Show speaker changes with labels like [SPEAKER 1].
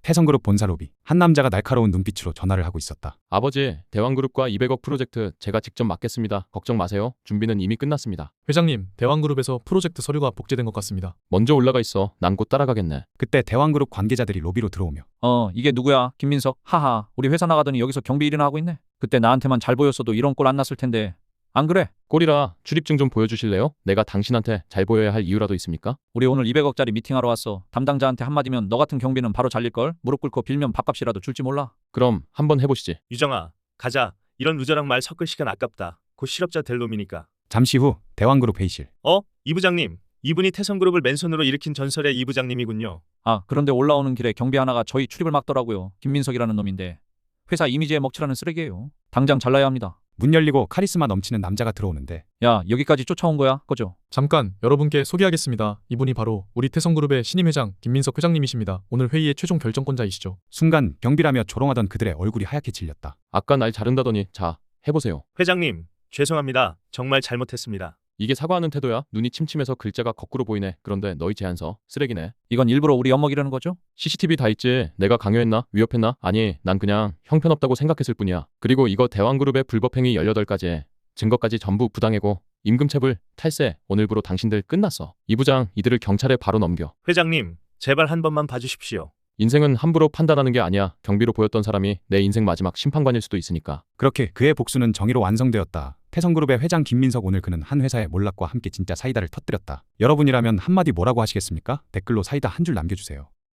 [SPEAKER 1] 태성그룹 본사 로비. 한 남자가 날카로운 눈빛으로 전화를 하고 있었다.
[SPEAKER 2] 아버지, 대왕그룹과 200억 프로젝트 제가 직접 맡겠습니다. 걱정 마세요. 준비는 이미 끝났습니다.
[SPEAKER 3] 회장님, 대왕그룹에서 프로젝트 서류가 복제된 것 같습니다.
[SPEAKER 2] 먼저 올라가 있어. 난 곧 따라가겠네.
[SPEAKER 1] 그때 대왕그룹 관계자들이 로비로 들어오며
[SPEAKER 4] 이게 누구야? 김민석. 하하, 우리 회사 나가더니 여기서 경비 일이나 하고 있네. 그때 나한테만 잘 보였어도 이런 꼴 안 났을 텐데. 안 그래?
[SPEAKER 2] 꼴이라 출입증 좀 보여주실래요? 내가 당신한테 잘 보여야 할 이유라도 있습니까?
[SPEAKER 4] 우리 오늘 200억짜리 미팅하러 왔어. 담당자한테 한마디면 너 같은 경비는 바로 잘릴걸? 무릎 꿇고 빌면 밥값이라도 줄지 몰라.
[SPEAKER 2] 그럼 한번 해보시지.
[SPEAKER 5] 유정아, 가자. 이런 루저랑 말 섞을 시간 아깝다. 곧 실업자 될 놈이니까.
[SPEAKER 1] 잠시 후 대왕그룹 회의실.
[SPEAKER 5] 이 부장님. 이분이 태성그룹을 맨손으로 일으킨 전설의 이 부장님이군요.
[SPEAKER 4] 아, 그런데 올라오는 길에 경비 하나가 저희 출입을 막더라고요. 김민석이라는 놈인데. 회사 이미지에 먹칠하는 쓰레기예요. 당장 잘라야 합니다.
[SPEAKER 1] 문 열리고 카리스마 넘치는 남자가 들어오는데
[SPEAKER 4] 야, 여기까지 쫓아온 거야? 꺼져.
[SPEAKER 3] 잠깐 여러분께 소개하겠습니다. 이분이 바로 우리 태성그룹의 신임 회장 김민석 회장님이십니다. 오늘 회의의 최종 결정권자이시죠.
[SPEAKER 1] 순간 경비라며 조롱하던 그들의 얼굴이 하얗게 질렸다.
[SPEAKER 2] 아까 날 자른다더니 자, 해보세요.
[SPEAKER 5] 회장님, 죄송합니다. 정말 잘못했습니다.
[SPEAKER 2] 이게 사과하는 태도야? 눈이 침침해서 글자가 거꾸로 보이네. 그런데 너희 제안서 쓰레기네.
[SPEAKER 4] 이건 일부러 우리 엿먹이려는 거죠?
[SPEAKER 2] CCTV 다 있지. 내가 강요했나? 위협했나? 아니, 난 그냥 형편없다고 생각했을 뿐이야. 그리고 이거 대왕그룹의 불법행위 18가지 증거까지 전부 부당해고 임금체불, 탈세, 오늘부로 당신들 끝났어. 이 부장, 이들을 경찰에 바로 넘겨.
[SPEAKER 5] 회장님, 제발 한 번만 봐주십시오.
[SPEAKER 2] 인생은 함부로 판단하는 게 아니야. 경비로 보였던 사람이 내 인생 마지막 심판관일 수도 있으니까.
[SPEAKER 1] 그렇게 그의 복수는 정의로 완성되었다. 태성그룹의 회장 김민석, 오늘 그는 한 회사의 몰락과 함께 진짜 사이다를 터뜨렸다. 여러분이라면 한마디 뭐라고 하시겠습니까? 댓글로 사이다 한 줄 남겨주세요.